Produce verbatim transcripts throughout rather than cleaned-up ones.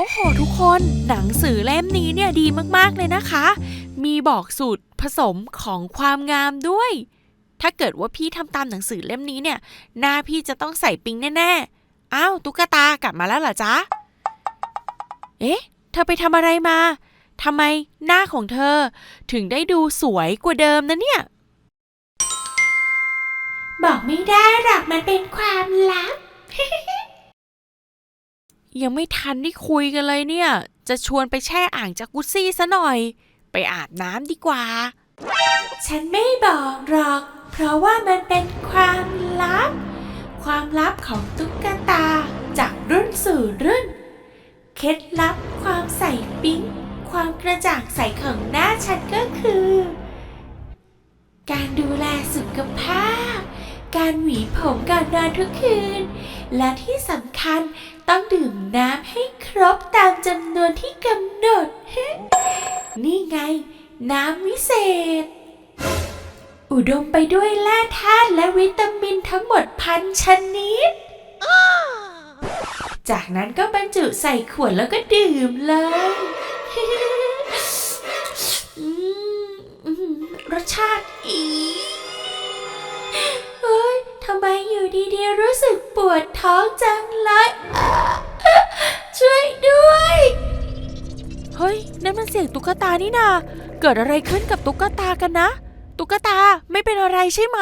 อ้โหทุกคนหนังสือเล่มนี้เนี่ยดีมากๆเลยนะคะมีบอกสูตรผสมของความงามด้วยถ้าเกิดว่าพี่ทำตามหนังสือเล่มนี้เนี่ยหน้าพี่จะต้องใส่ปิ๊งแน่ๆอ้าวตุ๊กตากลับมาแล้วเหรอจ๊ะเอ๊ะเธอไปทำอะไรมาทำไมหน้าของเธอถึงได้ดูสวยกว่าเดิมนะเนี่ยบอกไม่ได้หรอกมันเป็นความลับ ยังไม่ทันได้คุยกันเลยเนี่ยจะชวนไปแช่อ่างจากุซซี่ซะหน่อยไปอาบน้ำดีกว่าฉันไม่บอกหรอกเพราะว่ามันเป็นความลับความลับของตุ๊กตาจากรุ่นสู่รุ่นเคล็ดลับความใส่ปิ๊งความกระจ่างใสของหน้าฉันก็คือการดูแลสุขภาพการหวีผมก่อนนอนทุกคืนและที่สำคัญต้องดื่มน้ำให้ครบตามจำนวนที่กำหนด นี่ไงน้ำวิเศษอุดมไปด้วยแร่ธาตุและวิตามินทั้งหมดพันชนิด จากนั้นก็บรรจุใส่ขวดแล้วก็ดื่มเลย รสชาติอีเฮ้ยทำไมอยู่ดีๆรู้สึกปวดท้องจังเลยช่วยด้วยเฮ้ยนั่นมันเสียงตุ๊กตานี่นาเกิดอะไรขึ้นกับตุ๊กตากันนะตุ๊กตาไม่เป็นอะไรใช่ไหม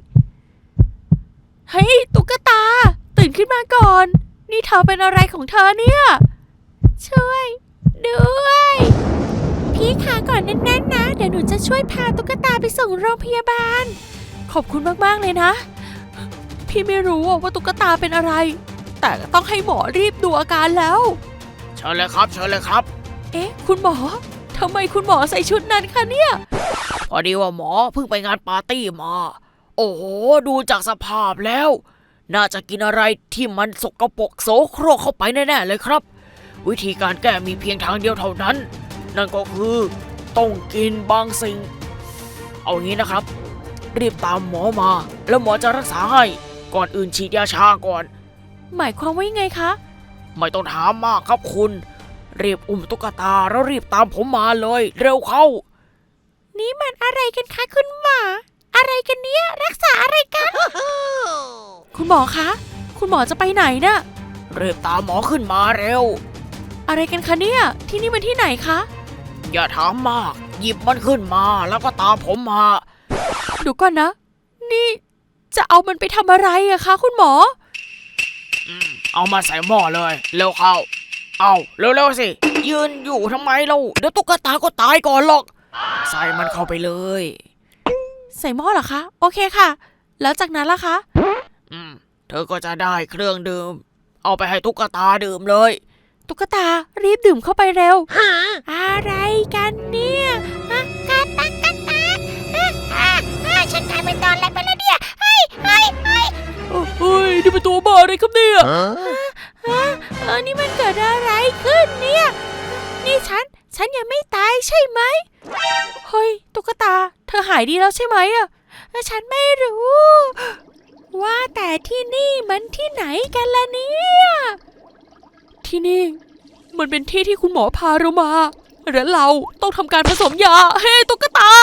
เฮ้ยตุ๊กตาตื่นขึ้นมาก่อนนี่เธอเป็นอะไรของเธอเนี่ยช่วยด้วยพี่ขาก่อนแน่นๆนะเดี๋ยวหนูจะช่วยพาตุ๊กตาไปส่งโรงพยาบาลขอบคุณมากๆเลยนะพี่ไม่รู้ว่าตุ๊กตาเป็นอะไรแต่ต้องให้หมอรีบดูอาการแล้วเชิญเลยครับเชิญเลยครับเอ๊ะคุณหมอทำไมคุณหมอใส่ชุดนั้นคะเนี่ยพอดีว่าหมอเพิ่งไปงานปาร์ตี้มาโอ้โหดูจากสภาพแล้วน่าจะกินอะไรที่มันสกปรกโสโครกเข้าไปแน่ๆเลยครับวิธีการแก้มีเพียงทางเดียวเท่านั้นนั่นก็คือต้องกินบางสิ่งเอางี้นะครับรีบตามหมอมาแล้วหมอจะรักษาให้ก่อนอื่นฉีดยาชาก่อนหมายความว่ายังไงคะไม่ต้องถามมากครับคุณรีบอุ้มตุ๊กตาแล้วรีบตามผมมาเลยเร็วเข้านี่มันอะไรกันคะคุณหมออะไรกันเนี่ยรักษาอะไรกัน คุณหมอคะคุณหมอจะไปไหนน่ะรีบตามหมอขึ้นมาเร็วอะไรกันคะเนี่ยที่นี่มันที่ไหนคะอย่าถามมากหยิบมันขึ้นมาแล้วก็ตามผมมาเดี๋ยวก่อนนะนี่จะเอามันไปทำอะไรอะคะคุณหมออืมเอามาใส่หม้อเลยเร็วเข้าเอาเร็วๆสิยืนอยู่ทำไมเราเดี๋ยวตุ๊กตาก็ตายก่อนหรอกใส่มันเข้าไปเลยใส่หม้อเหรอคะโอเคค่ะแล้วจากนั้นล่ะคะอืมเธอก็จะได้เครื่องดื่มเอาไปให้ตุ๊กตาดื่มเลยตุ๊กตารีบดื่มเข้าไปเร็วอะไรกันเนี่ยกาตักกาตักฉันกลายเป็นตอนแรกไปแล้วเนี่ยเฮ้ยเฮ้ยเฮ้ยเฮ้ยนี่เป็นตัวบ้าอะไรครับเนี่ยฮะเออนี่มันเกิดอะไรขึ้นเนี่ยนี่ฉันฉันยังไม่ตายใช่ไหมเฮ้ยตุ๊กตาเธอหายดีแล้วใช่ไหมอะฉันไม่รู้ว่าแต่ที่นี่มันที่ไหนกันล่ะเนี่ยที่นี่มันเป็นที่ที่คุณหมอพาเรามาและเราต้องทำการผสมยาเฮ้ตุ๊กตา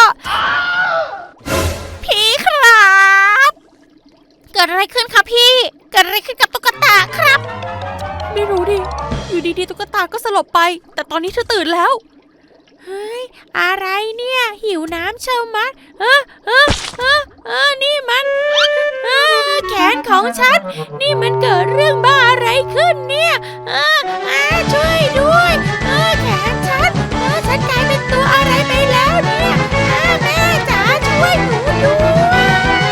พี่ครับเกิดอะไรขึ้นครับพี่เกิดอะไรขึ้นกับตุ๊กตาครับไม่รู้ดิอยู่ดีๆตุ๊กตาก็สลบไปแต่ตอนนี้เธอตื่นแล้วเฮ้ยอะไรเนี่ยหิวน้ำเชียวมัดเออเออเออเออนี่มันเออแขนของฉันนี่มันเกิดเรื่องบ้าอะไรขึ้นเนี่ยเออเออช่วยด้วยเออแขนฉันเออฉันกลายเป็นตัวอะไรไปแล้วเนี่ยเออแม่จ๋าช่วยหนูด้วย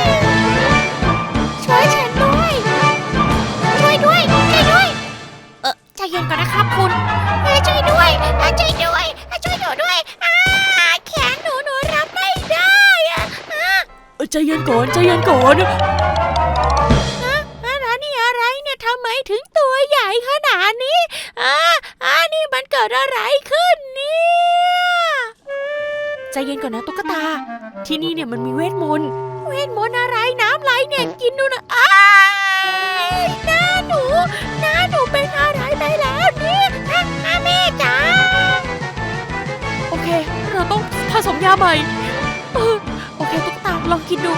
ช่วยฉันด้วยช่วยด้วยช่วยด้วยเออใจเย็นก่อนนะครับคุณเออช่วยด้วยช่วยด้วยช่วยหนูด้วยแขนหนูหนูรับไม่ได้อะใจเย็นก่อนใจเย็นก่อนอะไรนี่อะไรเนี่ยทำไมถึงตัวใหญ่ขนาดนี้อ่าอ่านี่มันเกิดอะไรขึ้นเนี่ยใจเย็นก่อนนะตุ๊กตาที่นี่เนี่ยมันมีเวทมนต์เวทมนต์อะไรน้ำไหลเนี่ยกินดูนะอ้ายหน้าหนูหน้าหนูเป็นอะไรไปแล้วเนี่ยแม่ใหม่เออโอเคตุ๊กตาลองกินดู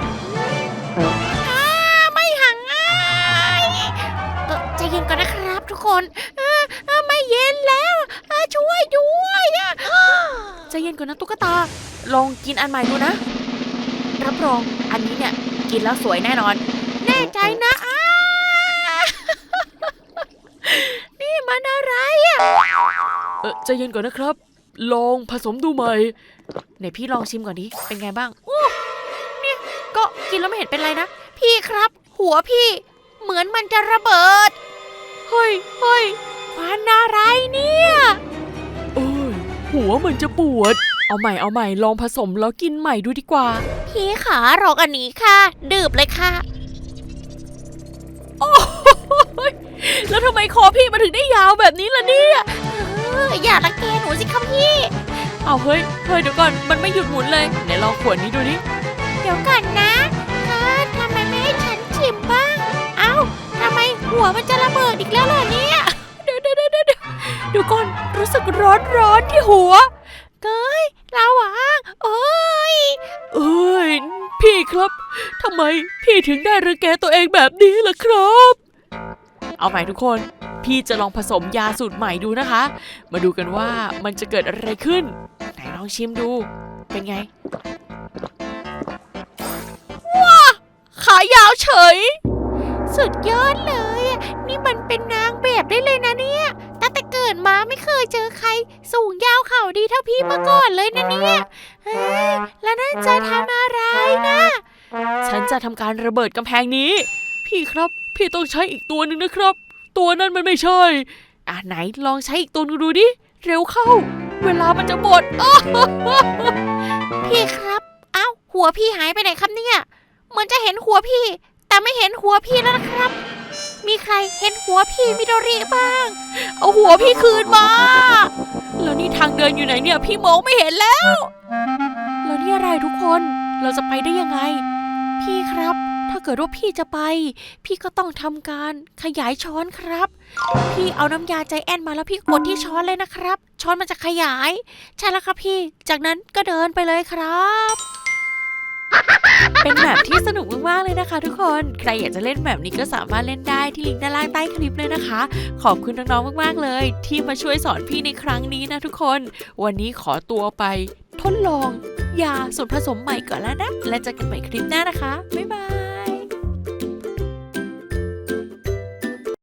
ไม่หังง่ายเออใจเย็นก่อนนะครับทุกคนเออเออไม่เย็นแล้วเออช่วยด้วยอะใจเย็นก่อนนะตุ๊กตาลองกินอันใหม่ดูนะรับรองอันนี้เนี่ยกินแล้วสวยแน่นอนแน่ใจนะอ้านี่มันอะไรอ่ะเออใจเย็นก่อนนะครับลองผสมดูใหม่ไหนพี่ลองชิมก่อนดิเป็นไงบ้างโอ้เนี่ยก็กินแล้วไม่เห็นเป็นไรนะพี่ครับหัวพี่เหมือนมันจะระเบิดเฮ้ยเฮ้ยควันอะไรเนี่ยเอ้ยหัวมันจะปวดเอาใหม่เอาใหม่ลองผสมแล้วกินใหม่ดูดีกว่าพี่ขาลองอันนี้ค่ะดื่มเลยค่ะโอ้ยแล้วทำไมคอพี่มาถึงได้ยาวแบบนี้ล่ะเนี่ยอย่ารังแกหนูสิครับพี่เอาเฮ้ยเฮ้ยเดี๋ยวก่อนมันไม่หยุดหมุนเลยไหนลองขวดนี้ดูดิเดี๋ยวก่อนนะเออทำไมไม่ให้ฉันชิมบ้างเอ้าทำไมหัวมันจะระเบิดอีกแล้วล่ะเนี่ยเดี๋ยวเดี๋ยวเดี๋ยวเดี๋ยวเดี๋ยวก่อนรู้สึกร้อนร้อนที่หัวเก้ยระวังเอ้ยเอ้ยพี่ครับทำไมพี่ถึงได้รังแกตัวเองแบบนี้ล่ะครับเอาใหม่ทุกคนพี่จะลองผสมยาสูตรใหม่ดูนะคะมาดูกันว่ามันจะเกิดอะไรขึ้นไหนลองชิมดูเป็นไงว้าขายาวเฉยสุดยอดเลยนี่มันเป็นนางแบบได้เลยนะเนี่ยตั้งแต่เกิดมาไม่เคยเจอใครสูงยาวเข่าดีเท่าพี่มาก่อนเลยนะเนี่ยเฮ้ยแล้วนั่นจะทำอะไรนะฉันจะทำการระเบิดกำแพงนี้พี่ครับพี่ต้องใช้อีกตัวหนึ่งนะครับตัวนั้นมันไม่ใช่อ่ะไหนลองใช้อีกตัวนึงดูดิเร็วเข้าเวลามันจะหมดพี่ครับเอ้าหัวพี่หายไปไหนครับเนี่ยเหมือนจะเห็นหัวพี่แต่ไม่เห็นหัวพี่แล้วนะครับมีใครเห็นหัวพี่มิโดริบ้างเอาหัวพี่คืนมาแล้วนี่ทางเดินอยู่ไหนเนี่ยพี่มองไม่เห็นแล้วแล้วนี่อะไรทุกคนเราจะไปได้ยังไงพี่ครับถ้าเกิดว่าพี่จะไปพี่ก็ต้องทำการขยายช้อนครับพี่เอาน้ำยาใจแอนมาแล้วพี่กดที่ช้อนเลยนะครับช้อนมันจะขยายใช่แล้วครับพี่จากนั้นก็เดินไปเลยครับเป็นแบบที่สนุกมากๆเลยนะคะทุกคนใครอยากจะเล่นแบบนี้ก็สามารถเล่นได้ที่ลิงก์ด้านล่างใต้คลิปเลยนะคะขอบคุณน้องๆมากๆเลยที่มาช่วยสอนพี่ในครั้งนี้นะทุกคนวันนี้ขอตัวไปทดลองยาสูตรผสมใหม่ก่อนแล้วนะและเจอกันใหม่คลิปหน้านะคะบ๊ายบาย